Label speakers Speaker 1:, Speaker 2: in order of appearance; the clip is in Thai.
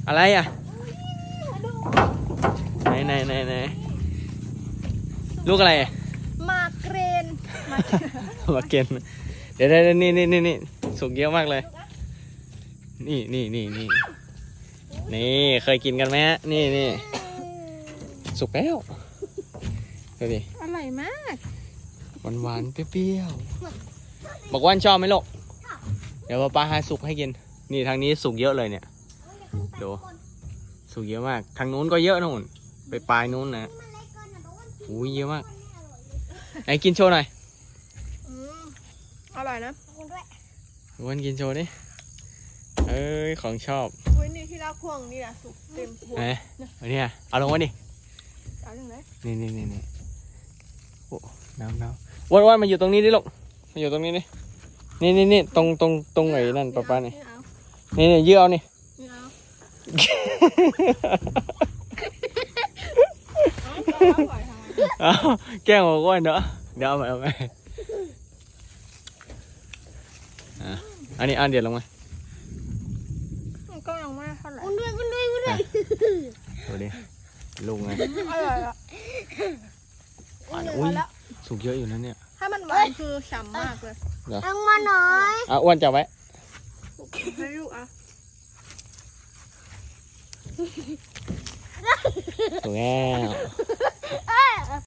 Speaker 1: อะไรอ่ะไหนลูกอะไร
Speaker 2: มาเกรน
Speaker 1: มาเกนเดี๋ยวนี่สุกเยอะมากเลยนี่เคยกินกันไหมฮะนี่สุกแล้วดูดิ
Speaker 2: อร่อยมาก
Speaker 1: หวานเปรี้ยวบอกว่าชอบไหมลูกเดี๋ยวป้าให้สุกให้กินนี่ทางนี้สุกเยอะเลยเนี่ยดูสุกเยอะมากทางนู้นก็เยอะนู่นไปปลายนู้นนะอุ้ยเยอะมากไหนกินโชว์หน่อย
Speaker 2: อร่อยนะ
Speaker 1: วันกินโชว์ดิเอ้ยของชอบ
Speaker 2: อุ้ยนี่ที่เราควงนี่แหละสุกเต็มหัว
Speaker 1: ไหนอันนี้เอาลงมาดิ
Speaker 2: เอาอย่างไร
Speaker 1: นี่โอ้น้ำวันมาอยู่ตรงนี้ดิลูกมาอยู่ตรงนี้ดินี่ตรงไหนนั่นป้านี่นี่ยื้อเอานี่ เอาแกล้งบอกว่าเนอะเดี๋ยวเอาไปอันนี้เดี๋ยวลงมา
Speaker 2: ก็ยังไม่เท่าไหร่
Speaker 1: ดูดิลุงไง
Speaker 2: อร่อยอ่ะ
Speaker 1: อุ้ยสุกเยอะอยู่นะเนี่ย
Speaker 2: ถ้ามันหวานคือฉ่ำมากเลย
Speaker 3: เอามาหน่อย
Speaker 1: อ้วนจับไว้
Speaker 2: ให้ลูกอ่ะ
Speaker 1: สุกแล้ว